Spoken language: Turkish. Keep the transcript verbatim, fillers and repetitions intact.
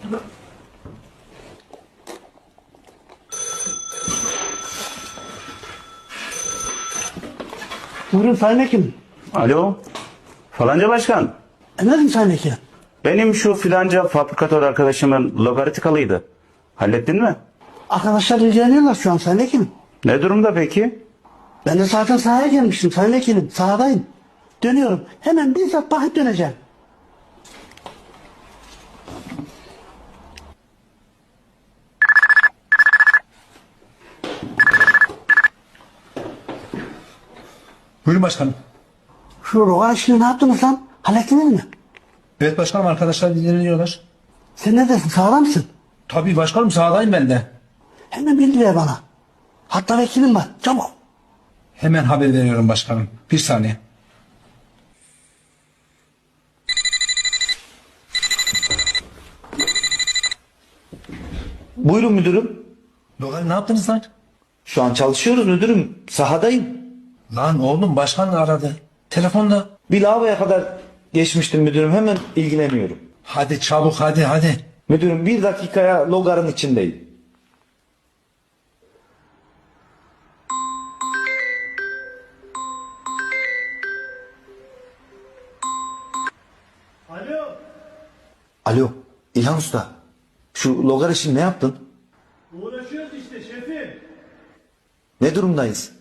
Buyurun Sayın Hekim. Alo, falanca başkan. Efendim Sayın Hekim. Benim şu filanca fabrikatör arkadaşımın logaritikalıydı. Hallettin mi? Arkadaşlar ilgileniyorlar şu an Sayın Hekim. Ne durumda peki? Ben de zaten sahaya gelmiştim Sayın Hekim. Sahadayım. Dönüyorum. Hemen bizzat bakıp döneceğim. Buyurun başkanım. Şu roga işini ne yaptınız lan? Hallettiniz mi? Evet başkanım, arkadaşlar ilgileniyorlar. Sen neredesin? Sağda mısın? Tabii başkanım, sahadayım ben de. Hemen bilgi ver bana. Hatta vekilim var. Çabuk. Hemen haber veriyorum başkanım. Bir saniye. Buyurun müdürüm. Logar ne yaptınız lan? Şu an çalışıyoruz müdürüm. Sahadayım. Lan oğlum, başkan aradı. Telefonda. Bir lavaboya kadar geçmiştim müdürüm. Hemen ilgileniyorum. Hadi çabuk, hadi hadi. Müdürüm bir dakikaya logarın içindeyim. Alo. Alo İlhan Usta. Şu logar işini ne yaptın? Uğraşıyoruz işte şefim. Ne durumdayız?